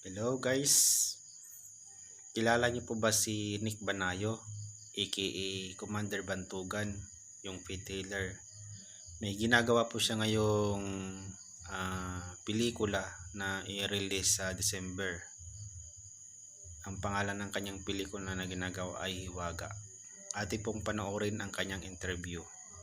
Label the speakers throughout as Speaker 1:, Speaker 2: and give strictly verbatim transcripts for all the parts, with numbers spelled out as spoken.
Speaker 1: Hello guys, kilala niyo po ba si Nick Banayo aka Commander Bantugan, yung P-Tailor? May ginagawa po siya ngayong uh, pelikula na i-release sa December. Ang pangalan ng kanyang pelikula na ginagawa ay Hiwaga. Atin pong panoorin ang kanyang interview.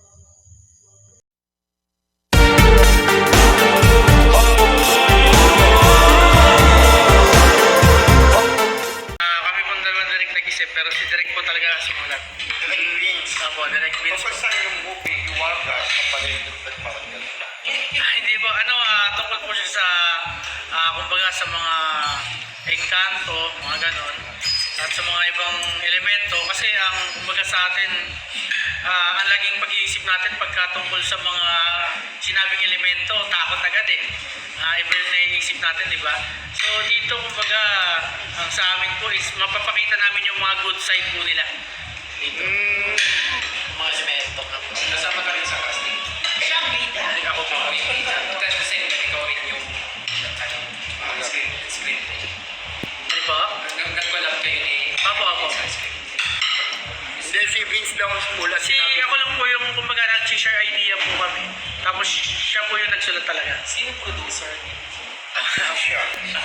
Speaker 2: Pero si Direk po talaga sumulat.
Speaker 3: Direk Vince.
Speaker 2: Opo, Direk Vince.
Speaker 3: So, first time yung movie, Hiwaga, kapalid yung parang gano'n.
Speaker 2: Ah, hindi po, ano, uh, tungkol po siya sa, uh, kumbaga sa mga engkanto, mga ganon, at sa mga ibang elemento. Kasi ang, kumbaga sa atin, uh, ang laging pag-iisip natin pagka tungkol sa mga sinabing elemento, takot agad eh. Uh, iba yung naiisip natin, di ba? So dito, kumbaga, ang sa amin po is mapapakita namin yung mga good side po nila. Dito. Mm.
Speaker 4: Mga elemento na po.
Speaker 3: Nasama ka rin sa casting.
Speaker 4: Siya ang bida.
Speaker 2: Ako po.
Speaker 4: Ikaw yung bida. Tapos kasi ikaw rin yung ano, screen, screen.
Speaker 2: Di ba?
Speaker 4: Nag-collab kayo ni...
Speaker 2: Apo, apo.
Speaker 3: Hindi, si Vince lang mula.
Speaker 2: Si ako lang po yung, kumbaga, nag-share idea po kami. Tapos siya po yung nagsulat talaga.
Speaker 4: Sino producer niya?
Speaker 3: Siya.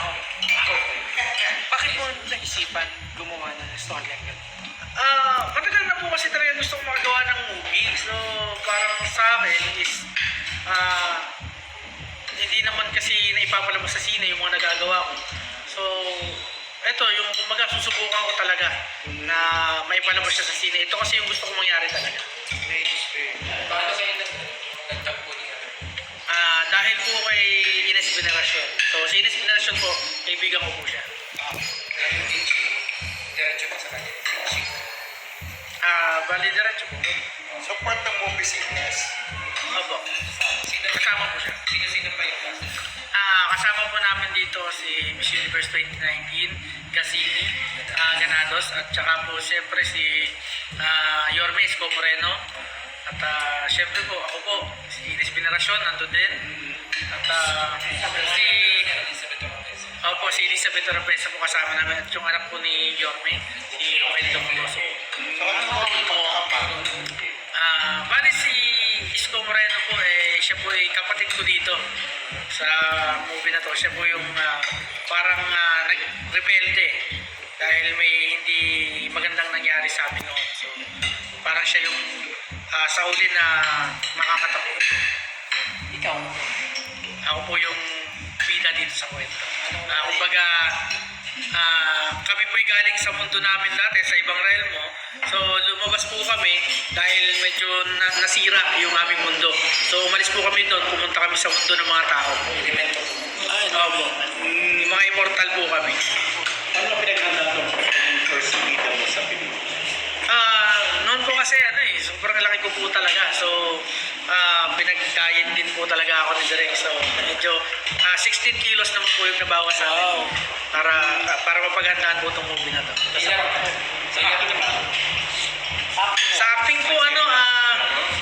Speaker 4: Bakit mo naisipan gumawa ng story ang gano'n?
Speaker 2: Ah, matagal na po kasi talaga gusto kong makagawa ng movie. So, parang sa akin is, ah, hindi naman kasi naipapalabas sa sine yung mga nagagawa ko. So, eto, yung kumbaga susubukan ko talaga na maipalabas siya sa sine. Ito kasi yung gusto kong mangyari talaga.
Speaker 4: Paano kayo nagtagpo niya?
Speaker 2: Ah, dahil po kay Ines Veneracion. So, si Ines Veneracion po, kaibigan ko po siya.
Speaker 4: Anong teaching? Diretso pa sa kanya. Teaching.
Speaker 2: Ah, bali diretso po.
Speaker 3: So, part ng movie si Ines.
Speaker 2: Opo.
Speaker 4: Sino,
Speaker 2: Kasama po siya.
Speaker 4: sino-sino pa yung cast?
Speaker 2: Ah, kasama po namin dito si Miss Universe twenty nineteen, Cassini, ah, Ganados, at saka po siyempre si ah, Yorme Isko Moreno. At uh, siyempre po, ako po, si Ines Veneracion, nandun din. At uh, si,
Speaker 4: Elizabeth Ortiz.
Speaker 2: ako po, si Elizabeth Oropesa po kasama namin. At yung anak po ni Yorme, si Rogelio Moloso.
Speaker 3: So, ano mo yung pagkakapa?
Speaker 2: Ah, bali si Isko Moreno po, eh, siya po ay kapatid ko dito sa movie na to. Siya po yung ah, parang uh, nag-rebelde dahil may hindi magandang nangyari sa amin noon. So, parang siya yung uh, sa uli na makakatakbo.
Speaker 4: Ikaw?
Speaker 2: Ako po yung bida dito sa kwento. Uh, kumbaga, uh, kami po'y galing sa mundo namin dati, sa ibang realmo. So, lumabas po kami dahil medyo na nasira yung aming mundo. So, umalis po kami doon, pumunta kami sa mundo ng mga tao.
Speaker 4: Elemento.
Speaker 2: Ay, Opo. Yung mga immortal po kami.
Speaker 3: Ano pinaghanda ito sa first meeting mo sa Pilipinas?
Speaker 2: Ah, noon po kasi ano eh, sobrang laki ko po talaga. So, ah, pinag-diet din po talaga ako ni Direk. So, medyo ah, sixteen kilos naman po yung nabawas sa akin. Para para mapaghandaan po itong movie na to.
Speaker 4: Ilan? Sa ilan ka?
Speaker 2: Sa acting po ano, ah,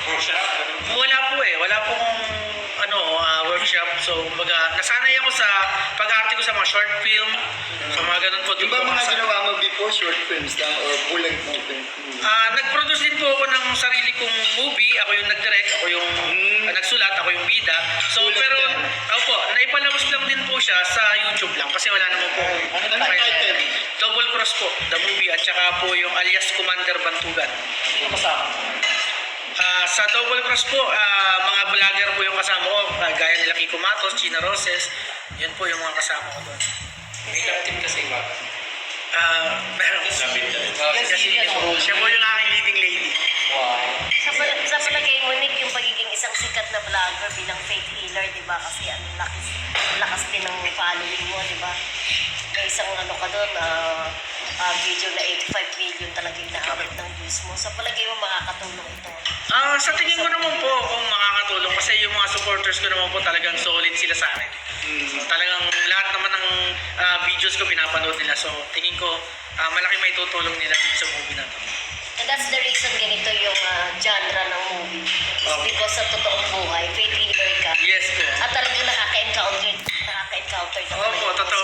Speaker 2: wala po eh. Wala pong ano, ah, workshop. So, kumbaga, nasanay ako sa pag-arte ko sa mga short film. Sa mga ganun po.
Speaker 3: Di ba mga ginawa mo before short films lang or full-length movie?
Speaker 2: Ah, nag-produce din po ako ng sarili kong movie. Ako yung nag-direct, ako yung ah, nagsulat, ako yung bida. So,
Speaker 3: Sulat
Speaker 2: pero,
Speaker 3: yan.
Speaker 2: opo, naipalabas lang din po siya sa YouTube lang kasi wala naman po.
Speaker 3: Ano ang title?
Speaker 2: Double Cross po, the movie, at saka po yung alias Commander Bantugan.
Speaker 4: Sino kasama?
Speaker 2: Ah, sa Double Cross po, ah, mga vlogger po yung kasama ko, ah, gaya nila Kiko Matos, China Roses, yun po yung mga kasama ko doon.
Speaker 4: May love team kasi iba.
Speaker 2: Ah, meron. Kasi siya po yung aking leading lady.
Speaker 4: Wow.
Speaker 5: Sa, pal- sa palagay mo, Nick, yung pagiging isang sikat na vlogger bilang faith healer, di ba? Kasi ang lakas, ang lakas din ng following mo, di ba? May isang ano ka doon, ah, ah, video na eighty-five million talaga yung naabot ng views mo. Sa palagay mo, makakatulong ito.
Speaker 2: Ah, sa tingin ko naman po kung makakatulong kasi yung mga supporters ko naman po talagang solid sila sa akin. Talagang lahat naman ng ah, videos ko pinapanood nila. So, tingin ko ah, malaki may tutulong nila dito sa movie na to.
Speaker 5: And that's the reason ganito yung ah, genre ng movie. It's
Speaker 2: Okay.
Speaker 5: because sa totoong buhay, faith healer ka.
Speaker 2: Yes po.
Speaker 5: At talagang nakaka-encounter, nakaka-encounter ka.
Speaker 2: Opo, totoo po yun.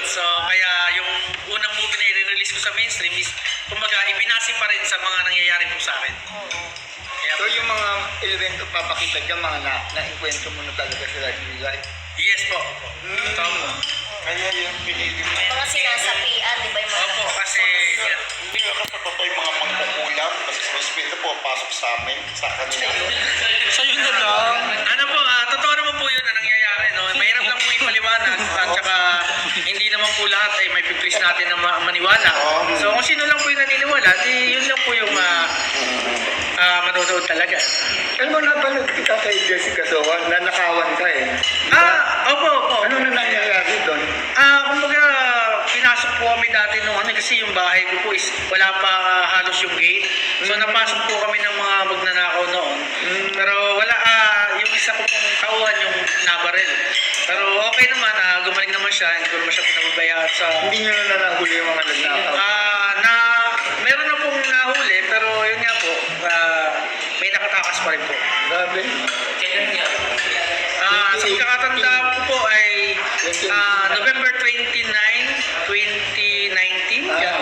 Speaker 2: So, kaya yung unang movie na i-release ko sa mainstream is, kumbaga, ibinasi pa rin sa mga nangyayari po sa akin.
Speaker 5: Oo.
Speaker 2: Kaya,
Speaker 6: So yung mga elemento papakita dyan, mga na, na-enkwentro mo na talaga sila in life.
Speaker 2: yes po. Opo.
Speaker 3: Kaya yung pinili mo.
Speaker 5: Mga sinasapian, di ba yung mga...
Speaker 2: Opo, kasi, yan.
Speaker 3: Hindi ka sa totoo yung mga mangkukulam kasi sa respeto po pasok sa amin, sa kanila.
Speaker 1: Sa'yo na lang.
Speaker 2: Ano po, ah, totoo naman po yun na nangyayari, no? Mahirap lang po ipaliwanag at saka hindi naman po lahat ay may piplis natin na ma- maniwala. So kung sino lang po yung naniniwala, di yun lang po yung ah, ah, manonood talaga.
Speaker 6: Alam mo, napanood kita kay Jessica Sohan, nanakawan ka eh.
Speaker 2: Ah, opo, opo.
Speaker 6: Ano na nangyayari doon?
Speaker 2: Ah, kumbaga, pinasok po kami dati nung ano kasi yung bahay ko po is wala pa ah, halos yung gate. So napasok po kami ng mga magnanakaw noon. Pero wala, ah, yung isa ko pong tauhan yung nabaril. Pero okay naman, ah, gumaling naman siya, hindi ko naman siya pinababayaan sa...
Speaker 6: Hindi nyo na nahuli yung mga nagnakaw.
Speaker 2: Ah, na, meron na pong nahuli, pero yun nga po, ah, may nakatakas pa rin po.
Speaker 6: Grabe.
Speaker 4: Kailan nga?
Speaker 2: Ah, sa pagkakatanda ko po ay ah, November twenty-nine, twenty nineteen.
Speaker 6: Ah,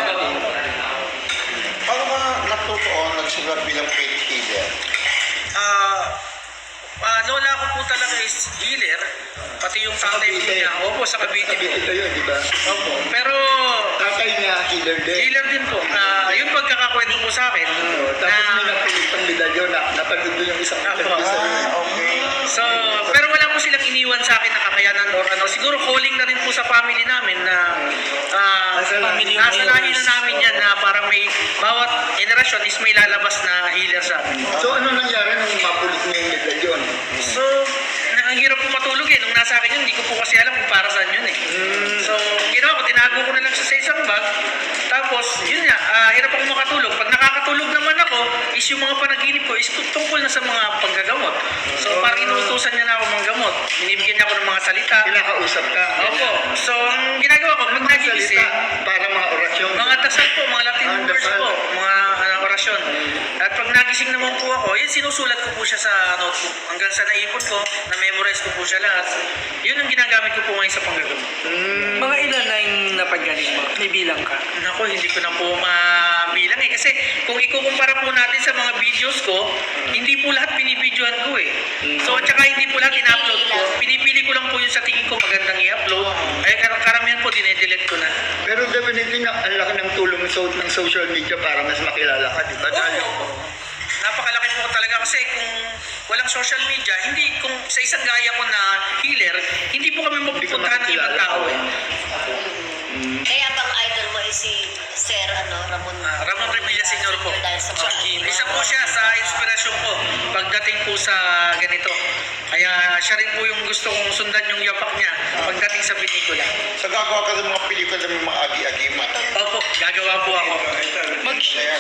Speaker 3: Paano ka natutuo nagsulat bilang faith healer?
Speaker 2: Ah, ah, lola ko po talaga is healer, pati yung tatay po
Speaker 6: Cavite.
Speaker 2: niya. Opo, sa Cavite po.
Speaker 6: Ito yun, di ba?
Speaker 2: Opo. Pero
Speaker 6: Tatay niya, healer din.
Speaker 2: healer din po. Ah, yung pagkakakwento po sa akin.
Speaker 6: Oo, tapos may napilit pang medalyo na napanood doon yung isang
Speaker 2: Ako.
Speaker 6: interview sa'yo. eh.
Speaker 3: Okay.
Speaker 2: So, pero wala po silang iniwan sa akin na kakayanan or ano. Siguro calling na rin po sa family namin na ah,
Speaker 6: Nasa lahi.
Speaker 2: nasa lahi na namin yan na parang may bawat generasyon is may lalabas na healer sa amin.
Speaker 6: So ano nangyari nung mapulit mo yung medalyon?
Speaker 2: So, na, ang hirap po matulog eh. Nung nasa akin yun, hindi ko po kasi alam kung para saan yun eh. So, ang ginawa ko, tinago ko na lang siya sa isang bag. Tapos, yun nga, ah, hirap ako makatulog. Pag nakakatulog naman ako, is yung mga panaginip ko is tungkol na sa mga panggagamot. So, parang inuutusan niya na ako mga gamot. Binibigyan niya ako ng mga salita.
Speaker 6: Kinakausap ka.
Speaker 2: Opo. So, ang ginagawa ko, pag
Speaker 6: Mga
Speaker 2: nagigising,
Speaker 6: salita para mga orasyon.
Speaker 2: mga dasal po, mga Latin
Speaker 6: Ah,
Speaker 2: words
Speaker 6: dasal.
Speaker 2: po, mga ano, orasyon. At pag nagising naman po ako, yun sinusulat ko po siya sa notebook. Hanggang sa naipon ko, na-memorize ko po siya lahat. Yun ang ginagamit ko po ngayon sa panggagamot.
Speaker 7: Mga ilan na yung napagaling mo? May bilang ka?
Speaker 2: Naku, hindi ko na po mabilang eh. Kasi kung ikukumpara po natin sa mga videos ko, hindi po lahat binibidyohan ko eh. So, at saka hindi po lahat in-upload ko. Pinipili ko lang po yung sa tingin ko magandang i-upload. Ay, kar- karamihan po, dinedelete ko na.
Speaker 6: Pero definitely na ang laki ng tulong so, ng social media para mas makilala ka, di ba? Dahil
Speaker 2: Oo. Napakalaki po talaga kasi kung walang social media, hindi kung sa isang gaya ko na healer, hindi po kami mapupuntahan ng ibang tao eh.
Speaker 5: Kaya bang idol mo is si Sir ano, Ramon?
Speaker 2: Ah, Ramon Revilla Senior po.
Speaker 5: Dahil sa mga
Speaker 2: Isa po siya sa inspirasyon ko pagdating po sa ganito. Kaya siya rin po yung gusto kong sundan yung yapak niya pagdating sa pelikula.
Speaker 3: So gagawa ka ng mga pelikula ng mga agi-agiman.
Speaker 2: Opo, gagawa po ako.
Speaker 7: Mag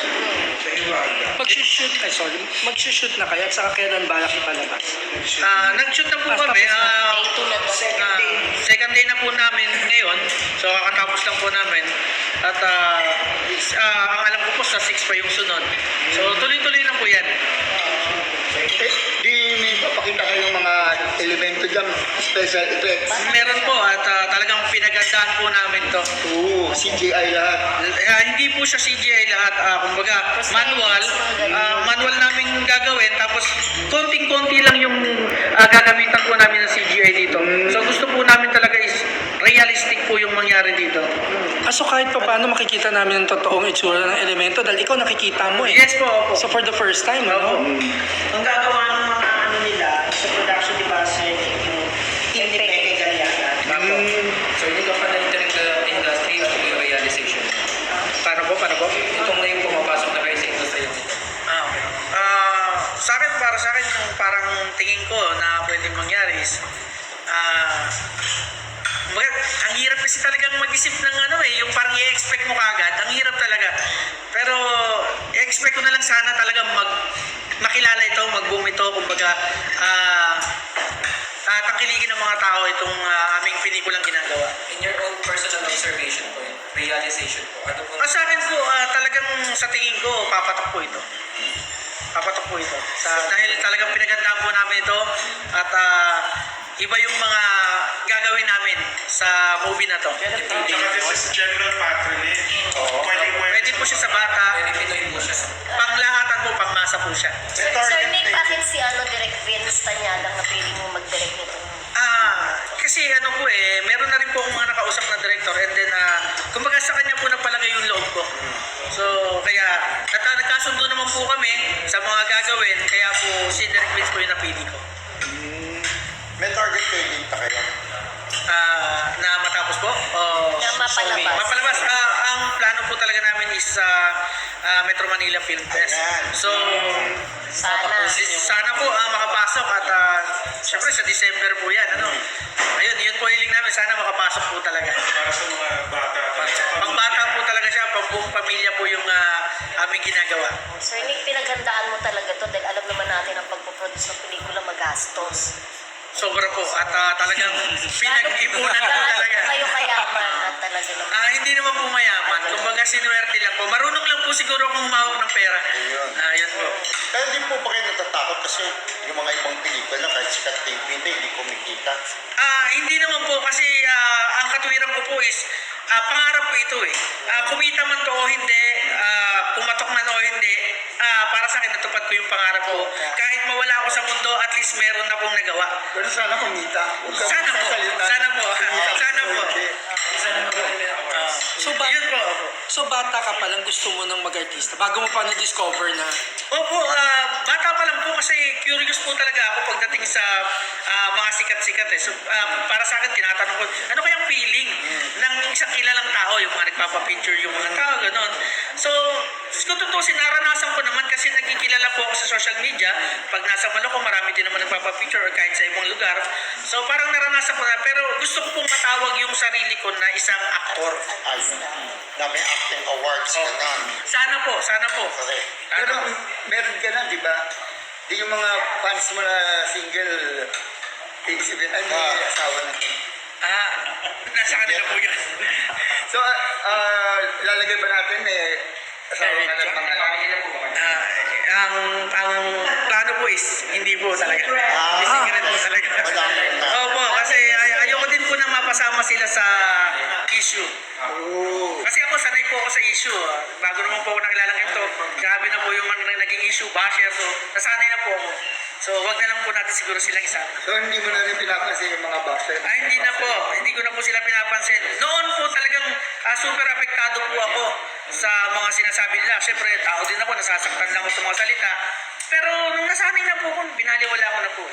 Speaker 7: Mag-shoot, ay sorry, mag-shoot na kayo at saka kailan balak ipalabas?
Speaker 2: Ah, nag-shoot na po kami. Ah,
Speaker 5: Day two na to.
Speaker 2: Ah, second day na po namin ngayon. So, kakatapos lang po namin. At ah, is- ah, ang alam ko po sa six pa yung sunod. So, tuloy-tuloy lang po yan.
Speaker 6: eh, di may papakita kayong mga elemento dyan, special effects.
Speaker 2: Meron po at ah, talagang pinagandaan po namin to.
Speaker 6: Oo, C G I lahat.
Speaker 2: Eh, hindi po siya C G I lahat. Ah, kumbaga, manual. Ah, manual namin gagawin. Tapos, konting-konti lang yung ah, gagamitan po namin ng C G I dito. So, gusto po namin talaga is realistic po yung mangyari dito.
Speaker 7: Ah, so kahit pa paano makikita namin ang totoong itsura ng elemento dahil ikaw nakikita mo eh.
Speaker 2: Yes po, opo.
Speaker 7: So for the first time, ano?
Speaker 8: Ang gagawa ng mga ano nila sa production, di ba, sir, yung team ni Peke Galiana.
Speaker 4: So hindi ka pa na-enter in the industry o yung realization?
Speaker 2: Paano po? Paano po?
Speaker 4: Itong na yung pumapasok na kayo sa industry.
Speaker 2: Ah, okay. Ah, sa akin, para sa akin, yung parang tingin ko na pwedeng mangyari is, ah, well, ang hirap kasi talagang mag-isip ng ano eh, yung parang i-expect mo kagad, ang hirap talaga. Pero, i-expect ko na lang sana talaga mag, makilala ito, mag-boom ito, kumbaga, ah, ah, tangkilikin ng mga tao itong ah, aming pelikulang ginagawa.
Speaker 4: In your own personal observation po, realization po, ano po?
Speaker 2: Ah, sa akin po, ah, talagang sa tingin ko, papatok po ito. Papatok po ito. Sa, dahil talagang pinagandaan po namin ito at ah, iba yung mga gagawin namin sa movie na to.
Speaker 3: This is general patronage. Pwede mo
Speaker 2: Pwede po siya sa bata, panglahatan po, pangmasa po siya.
Speaker 5: Sir, Sir Nick, bakit si ano, Direk Vince Tanyalang napili mo mag-direct nito?
Speaker 2: Ah, kasi ano po eh, meron na rin po akong mga nakausap na director and then ah, kumbaga sa kanya po napalagay yung loob ko. So, kaya nata nagkasundo naman po kami sa mga gagawin, kaya po si Direk Vince po yung napili ko.
Speaker 3: May target kayo dito kayo.
Speaker 2: Ah, na matapos po? O,
Speaker 5: Na mapalabas.
Speaker 2: Mapalabas. Ah, ang plano po talaga namin is sa ah, Metro Manila Film Fest.
Speaker 3: Ayan.
Speaker 2: So,
Speaker 5: Sana.
Speaker 2: sana po ah, makapasok at uh, syempre sa December po yan. Ano? Ayun, yun po hiling namin. Sana makapasok po talaga.
Speaker 3: Para sa mga bata.
Speaker 2: Pang bata po talaga siya, pang buong pamilya po yung ah, aming ginagawa.
Speaker 5: Sir Nick, pinaghandaan mo talaga to dahil alam naman natin ang pagpuproduce ng pelikula magastos.
Speaker 2: Sobra po at ah, talagang pinag-ipunan po
Speaker 5: Gaano
Speaker 2: talaga.
Speaker 5: kayo kayaman at talaga naman.
Speaker 2: Ah, hindi naman po mayaman. Kumbaga sinuwerte lang po. Marunong lang po siguro kung humawak ng pera. Ah, yun po.
Speaker 3: Pero hindi po ba kayo natatakot kasi yung mga ibang pelikula kahit sikat T V na hindi kumikita.
Speaker 2: Ah, hindi naman po kasi ah, ang katwiran ko po is ah, pangarap ko ito eh. Ah, kumita man to o hindi, ah, pumatok man o hindi, ah, para sa akin natupad ko yung pangarap ko. Kahit mawala ako sa mundo, at least meron akong nagawa.
Speaker 6: Pero sana kumita. Huwag ka
Speaker 2: Sana po.
Speaker 6: magsasalita.
Speaker 2: Sana po. Sana po.
Speaker 7: So, ba-
Speaker 2: Yun po.
Speaker 7: so bata ka pa lang gusto mo ng mag-artista bago mo pa na-discover na
Speaker 2: Opo, ah, bata pa lang po kasi curious po talaga ako pagdating sa ah, mga sikat-sikat eh. So, ah, para sa akin, tinatanong ko, ano kayang feeling ng isang kilalang tao, yung mga nagpapapicture, yung mga tao, gano'n. So, kung tutusin, naranasan ko naman kasi nagkikilala po ako sa social media. Pag nasa Maloko, marami din naman nagpapapicture or kahit sa ibang lugar. So, parang naranasan ko na, pero gusto ko pong matawag yung sarili ko na isang aktor.
Speaker 3: Ayun. Na may acting awards ka na.
Speaker 2: Sana po, sana po.
Speaker 3: Correct.
Speaker 6: Pero
Speaker 2: Sana po.
Speaker 6: meron ka na, di ba? Di yung mga fans mo na single, iisipin, ay, may
Speaker 3: Ah.
Speaker 6: asawa na.
Speaker 2: Ah, nasa kanila po yun.
Speaker 6: So, ah, lalagay ba natin, may asawa ka na mga
Speaker 2: Ah, ang ang plano po is hindi po talaga.
Speaker 3: Ah.
Speaker 2: Hindi secret po talaga.
Speaker 3: Madami na.
Speaker 2: Opo, kasi ay- ayoko din po na mapasama sila sa issue. Kasi ako sanay po ako sa issue. ah. Bago naman po ako nakilalang ito, grabe na po yung mga naging issue basher. So, nasanay na po ako. So, wag na lang po natin siguro silang isama.
Speaker 6: So, hindi mo na rin pinapansin yung mga boxer.
Speaker 2: Ay, hindi na po. Hindi ko na po sila pinapansin. Noon po talagang ah, super apektado po ako sa mga sinasabi nila. Siyempre, tao din ako, nasasaktan lang ako sa mga salita. Pero nung nasanay na po ako, binaliwala ko na po.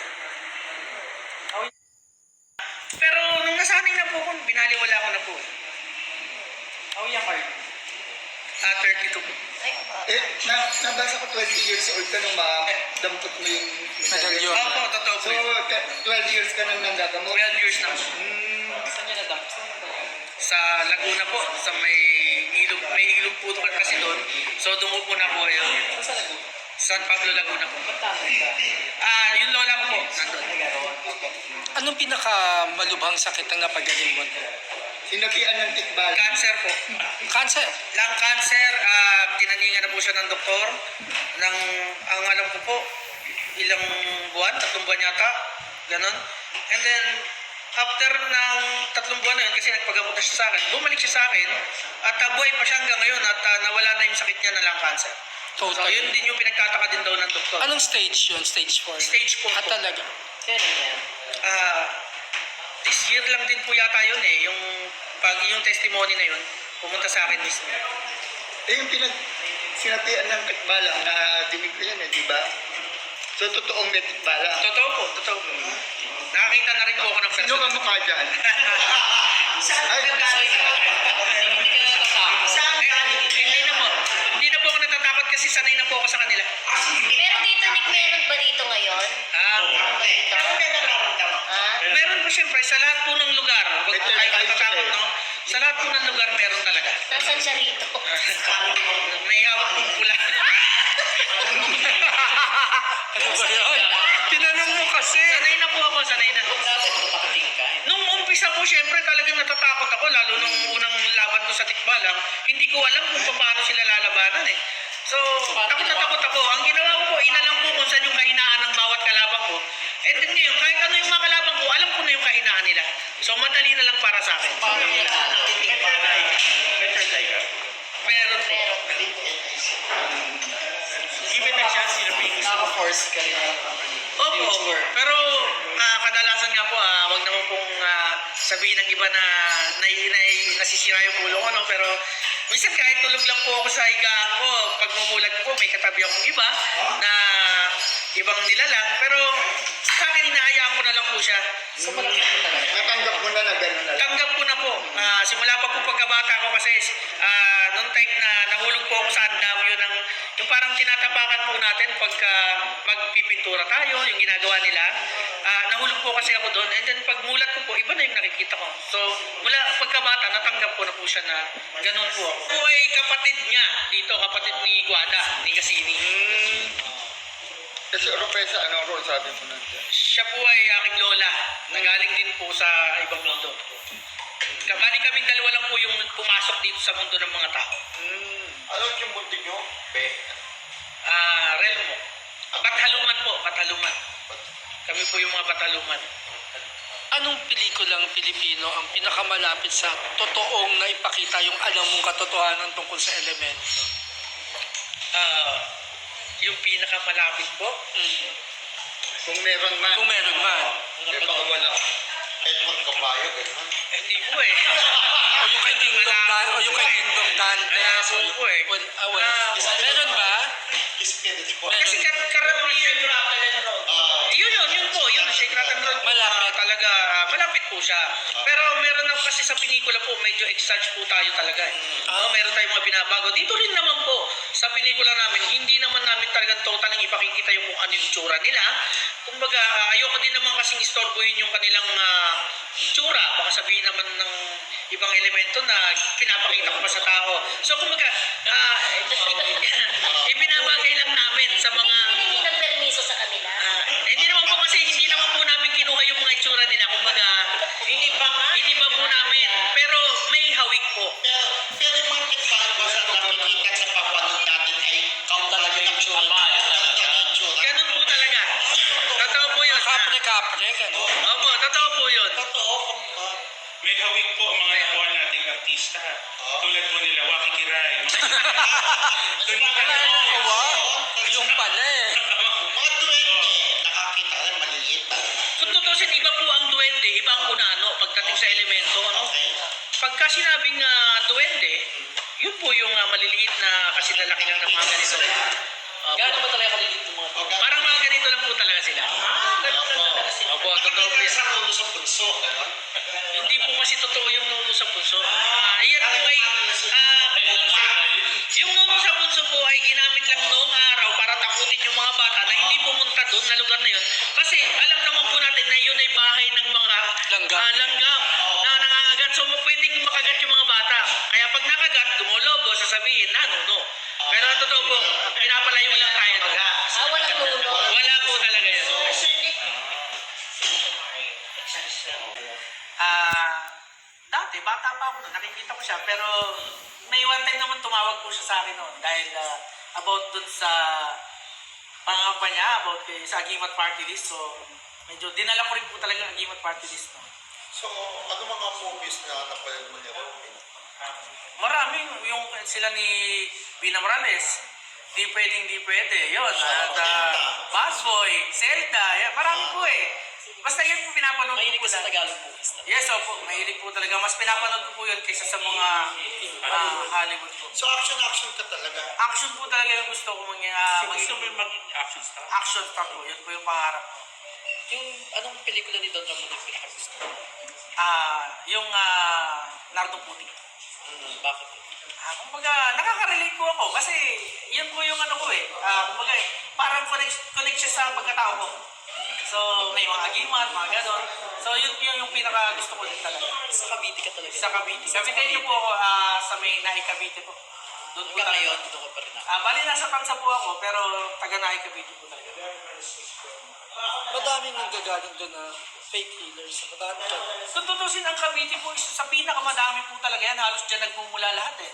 Speaker 2: Pero nung nasanay na po ako, binaliwala ko na po.
Speaker 4: Oh, yan kayo.
Speaker 2: Ah, thirty-two po.
Speaker 5: Ay, ah,
Speaker 6: Eh, na, nabasa ko twenty years old ka nung madampot mo yung
Speaker 7: medalyon.
Speaker 2: Opo, totoo po
Speaker 6: So,
Speaker 2: yun.
Speaker 6: te- twelve years ka nang nanggagamot.
Speaker 2: twelve years na po.
Speaker 4: Saan nyo nadam? Saan nyo nadam?
Speaker 2: Sa Laguna po, sa may ilog, may ilog po doon kasi doon. So doon ko po na po yun.
Speaker 4: Saan sa Laguna?
Speaker 2: San Pablo, Laguna po.
Speaker 4: Ba't tama ba?
Speaker 2: Ah, yung lola ko po, nandun.
Speaker 7: Anong pinaka malubhang sakit ang napagaling mo?
Speaker 6: Sinabihan ng tikbal.
Speaker 2: Cancer po.
Speaker 7: Cancer.
Speaker 2: Lung cancer, ah, tinaningan na po siya ng doktor. Ng, ang alam ko po, ilang buwan, tatlong buwan yata. Ganon. And then, after ng tatlong buwan na yun, kasi nagpagamot na siya sa akin, bumalik siya sa akin, at uh, buhay pa siya hanggang ngayon, at ah, nawala na yung sakit niya na lung cancer. So,
Speaker 7: Total.
Speaker 2: yun din yung pinagtataka din daw ng doktor.
Speaker 7: Anong stage yun? Stage four?
Speaker 2: Stage four
Speaker 7: Ah,
Speaker 2: po.
Speaker 7: talaga?
Speaker 4: Kailan yan?
Speaker 2: Ah, this year lang din po yata yun eh, yung pag yung testimony na yun, pumunta sa akin mismo.
Speaker 6: Eh, yung pinag... Sinabihan ng tikbalang na dinig ko yan eh, di ba? So, totoong may tikbala.
Speaker 2: Totoo po, totoo po. Nakakita na rin po ako ng
Speaker 6: Sino
Speaker 2: person.
Speaker 6: ka mukha dyan?
Speaker 4: Saan
Speaker 6: Ay,
Speaker 4: ka galing? Hindi ka natatakot.
Speaker 2: Saan galing? Hindi na po. Hindi na po ako natatakot kasi sanay na po ako sa kanila.
Speaker 5: Pero dito, Nick, meron ba dito ngayon?
Speaker 2: Ah,
Speaker 5: Dito? Ah?
Speaker 2: meron po siyempre sa lahat po ng lugar. Huwag po kayo natatakot, no? Sa lahat po ng lugar meron talaga.
Speaker 5: Nasaan siya rito?
Speaker 2: May hawak pong pula.
Speaker 7: Ano ba yun? Tinanong mo kasi.
Speaker 2: Sanay na po ako, sanay na.
Speaker 4: Dati matakating ka.
Speaker 2: Nung umpisa po, syempre talagang natatakot ako, lalo nung unang laban ko sa tikbalang, hindi ko alam kung paano sila lalabanan eh. So, takot na takot ako. Ang ginawa ko po, inalam ko kung saan yung kahinaan ng bawat kalaban ko. And then ngayon, kahit ano yung mga kalaban ko, alam ko na yung kahinaan nila. So madali na lang para sa akin. Meron po.
Speaker 3: Given the chance, sino pick?
Speaker 4: Naka-force ka rin.
Speaker 2: Opo, opo. Pero ah, kadalasan nga po, ah, wag naman pong ah, sabihin ng iba na, na, na nasisira yung ulo ko, no? Pero minsan kahit tulog lang po ako sa higaan ko, pag mumulat po, may katabi akong iba na ibang nilalang. Pero sa akin, hinahayaan ko na lang po siya.
Speaker 4: So, malaki po talaga.
Speaker 6: Natanggap mo na na gano'n na lang.
Speaker 2: Tanggap ko na po. Ah, simula pa po pagkabata ko kasi ah, noong time na nahulog po ako sa andamyo ng yung parang tinatapakan po natin pagka magpipintura tayo, yung ginagawa nila. Ah, nahulog po kasi ako doon. And then pag mulat ko po, iba na yung nakikita ko. So mula pagkabata, natanggap ko na po siya na ganun po ako. Ako ay kapatid niya dito, kapatid ni Guada, ni Cassini.
Speaker 6: Kasi Oropesa, anong role sabi mo nandiyan?
Speaker 2: Siya po ay aking lola. Nagaling din po sa ibang mundo. Bali kaming dalawa lang po yung pumasok dito sa mundo ng mga tao.
Speaker 3: Ano yung mundo nyo? Be.
Speaker 2: Ah, Relmo. Bathaluman po, Bathaluman. Kami po yung mga Bathaluman.
Speaker 7: Anong pelikulang Pilipino ang pinakamalapit sa totoong na ipakita yung alam mong katotohanan tungkol sa elemento?
Speaker 2: Ah, yung pinakamalapit po.
Speaker 7: Mm.
Speaker 6: Kung meron man.
Speaker 7: Kung meron man.
Speaker 6: Eh, baka wala.
Speaker 3: Edmond Caballo, gano'n.
Speaker 2: Eh, hindi po eh.
Speaker 7: O yung kay Dingdong Dan, o yung kay Dingdong Dantes.
Speaker 2: Wala po po eh.
Speaker 7: Well, ah, well.
Speaker 2: Ah,
Speaker 7: Meron ba?
Speaker 3: Spirit ko.
Speaker 2: Kasi kar karamihan
Speaker 3: Ah,
Speaker 2: yun yun, yun po, yun, Shake Rattle Road.
Speaker 7: Malapit.
Speaker 2: Ah, talaga, ah, malapit po siya. Pero meron na kasi sa pelikula po, medyo exage po tayo talaga. Eh. Ah, meron tayong mga binabago. Dito rin naman po, sa pelikula namin, hindi naman namin talagang totaling ipakikita yung kung ano yung tsura nila. Kumbaga, ah, ayoko din naman kasing istorbohin yung kanilang ah, tsura. Baka sabihin naman ng ibang elemento na pinapakita ko pa sa tao. So, kumbaga, ah, ibinabagay lang namin sa mga...
Speaker 5: Hiningi ng permiso sa kanila.
Speaker 2: Ah, hindi naman po kasi hindi naman po namin kinuha yung mga itsura nila. Kumbaga, hindi pa nga. Hindi pa po namin. Pero may hawik po.
Speaker 3: pero, pero yung mga pitback ba sa nakikita at sa papanood natin ay kung talaga yung tsura. Talaga yung tsura.
Speaker 2: Ganun po talaga. Totoo po yun.
Speaker 7: Kapre-kapre, gano'n.
Speaker 2: Opo, totoo po yun.
Speaker 3: Totoo, kumpa.
Speaker 9: May hawig po ang mga nakuha nating artista. Tulad po nila, Waki Kiray. Doon na
Speaker 7: Wala na, wow. Yung pala eh.
Speaker 3: Mga duwende, nakakita rin, maliliit.
Speaker 2: Kung tutusin, iba po ang duwende, iba ang kunano pagdating sa elemento. Ano?
Speaker 3: Okay.
Speaker 2: Pagka sinabing uh, duwende, yun po yung uh, maliliit na kasi lalaki lang ng mga ganito. Opo.
Speaker 4: Gaano ba talaga kaliliit yung mga
Speaker 3: O, ganun.
Speaker 2: Parang mga ganito lang po talaga sila. Opo, totoo po yan.
Speaker 3: Sa ulo sa punso, gano'n.
Speaker 2: Hindi po kasi totoo yung nuno sa punso. Ah, yan po ay, ah, yung nuno sa punso po ay ginamit lang noong araw para takutin yung mga bata na hindi pumunta doon na lugar na yun. Kasi alam naman po natin na yun ay bahay ng mga
Speaker 7: Langgam.
Speaker 2: ah, langgam na nangangagat. So pwedeng makagat yung mga bata. Kaya pag nakagat, dumologo, sasabihin na nuno. Pero ang totoo po, pinapalayo lang tayo doon.
Speaker 5: Ah, walang nuno.
Speaker 2: Wala po talaga yun. Ah, dati, bata pa ako noon, nakikita ko siya, pero may one time naman tumawag po siya sa akin noon dahil ah, about dun sa pangamba niya, about kay, sa Agimat Party List. So, medyo dinala ko rin po talaga ang Agimat Party List. No?
Speaker 3: So, ano mga movies na napanood mo niya?
Speaker 2: Marami, yung sila ni Bina Morales, di pwedeng di pwede, yun. At uh, Busboy, Zelda, yan, marami po eh. Basta yun po pinapanood ko
Speaker 4: mahilig
Speaker 2: po
Speaker 4: ka sa
Speaker 2: lang.
Speaker 4: Tagalog movies?
Speaker 2: Yes, opo, mahilig po talaga. Mas pinapanood ko po yun kaysa sa mga ah, Hollywood po.
Speaker 3: So, action-action ka talaga.
Speaker 2: Action po talaga yung gusto ko maging, uh,
Speaker 9: Gusto
Speaker 2: maging
Speaker 9: mo maging action star?
Speaker 2: action star po. Yun po yung pangarap ko.
Speaker 4: Yung anong pelikula ni Don Ramon yung pinakagusto?
Speaker 2: Ah, yung uh, Nardong Puti.
Speaker 4: Hmm, bakit?
Speaker 2: Ah, kumbaga, nakaka-relate po ako kasi yun po yung ano ko eh. Ah, kumbaga, eh, parang connect, connect siya sa pagkatao ko. So, may mga agimat, mga ganon. So, yun, yun yung pinaka gusto ko din talaga.
Speaker 4: Sa Cavite ka talaga?
Speaker 2: Sa Cavite. Cavite niyo po ako ah, sa may Nahi Cavite po. Doon po
Speaker 4: Hanggang
Speaker 2: talaga.
Speaker 4: ngayon, dito ka pa rin ako.
Speaker 2: Ah, bali nasa Tansa po ako, pero taga Nahi Cavite po talaga.
Speaker 7: Madaming nanggagaling doon na fake healers. Madami ka.
Speaker 2: Kung tutusin ang Cavite po, isa sa pinakamadami po talaga yan. Halos dyan nagmumula lahat eh. Na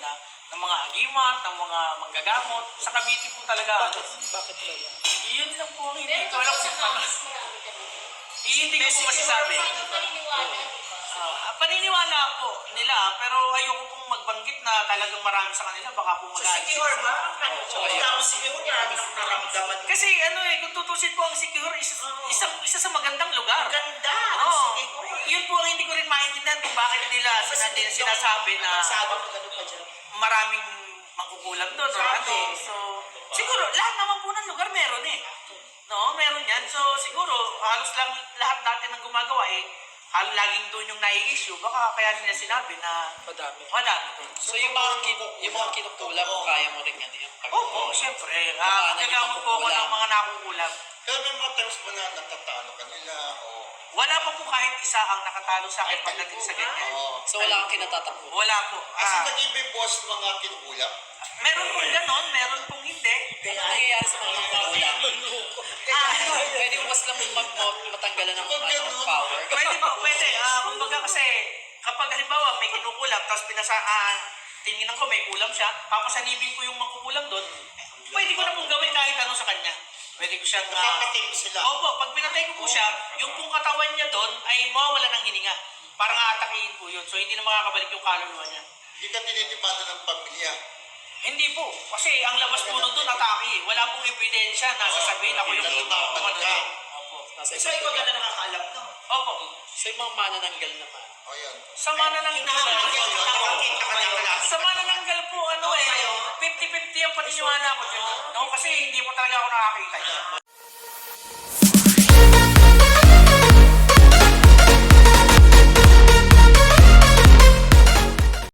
Speaker 2: ng mga agimat, ng mga manggagamot. Sa Cavite po talaga. Ano,
Speaker 7: Bakit ba yan?
Speaker 2: yun lang po ang hindi ko alam kung paano. Eh, hindi ko po masasabi. Ah, paniniwala po nila, pero ayoko pong magbanggit na talagang marami sa kanila, baka po mag-aalis.
Speaker 3: Secure ba? Tapos secure niya, hindi na naramdaman.
Speaker 2: Kasi ano eh, kung tutusin po ang Sikihor, isa, isang, isa sa magandang lugar.
Speaker 3: Ganda.
Speaker 2: Oo.
Speaker 3: Secure.
Speaker 2: Yun po ang hindi ko rin maintindihan kung bakit nila sinabi, sinasabi na
Speaker 3: Sabi ko gano'n pa dyan.
Speaker 2: maraming mangkukulam doon. Or ano. So, siguro, lahat naman po ng lugar meron eh. No, meron yan. So, siguro, halos lang lahat natin ang gumagawa eh, halos laging doon yung nai-issue. Baka kaya nila sinabi na
Speaker 7: Madami.
Speaker 2: madami doon.
Speaker 7: So yung mga, kin yung mga kinukulam, kaya mo rin yan yung
Speaker 2: Opo, siyempre. Uh, Nagagamot po ako ng mga nakukulam.
Speaker 3: Pero may mga times ba na natatalo ka nila o...
Speaker 2: Wala pa po kahit isa ang nakatalo sa akin pagdating sa ganyan.
Speaker 3: Oo.
Speaker 7: So wala kang kinatatakbo.
Speaker 2: Wala po.
Speaker 3: Kasi
Speaker 2: Ah,
Speaker 3: nag-ibig boss mga kinukulam.
Speaker 2: meron pong ganon, meron pong hindi.
Speaker 7: Ano nangyayari sa mga kinukulam?
Speaker 2: Ah,
Speaker 7: Pwede mo mas lang mag mag- matanggalan ng ano, power.
Speaker 2: pwede po, pwede. Ah, kumbaga kasi, kapag halimbawa may kinukulam, tapos pinasa, ah, tinginan ko may kulam siya, papasanibin ko yung mangkukulam doon, pwede ko na pong gawin kahit ano sa kanya. Pwede ko siyang... ah,
Speaker 3: Nakakatay mo sila.
Speaker 2: Opo, pag pinatay ko po siya, yung pong katawan niya doon ay mawawala ng hininga. Parang aatakihin po yun. So hindi na makakabalik yung kaluluwa niya.
Speaker 3: Hindi ka tinitipado ng pamilya.
Speaker 2: Hindi po. Kasi ang labas po nun doon, atake eh. Wala pong ebidensya na sasabihin ako yung
Speaker 3: Nalulunod
Speaker 2: kung ano
Speaker 3: ka.
Speaker 2: eh. Opo.
Speaker 7: Nasa
Speaker 3: So ikaw ganda nakakaalam no?
Speaker 2: Opo.
Speaker 7: So yung mga manananggal naman.
Speaker 3: O yun.
Speaker 2: Sa manananggal.
Speaker 3: Nakakita ka na wala.
Speaker 2: Sa manananggal po, ano eh, fifty fifty ang paniniwala ko dyan. No? Kasi hindi po talaga ako nakakita.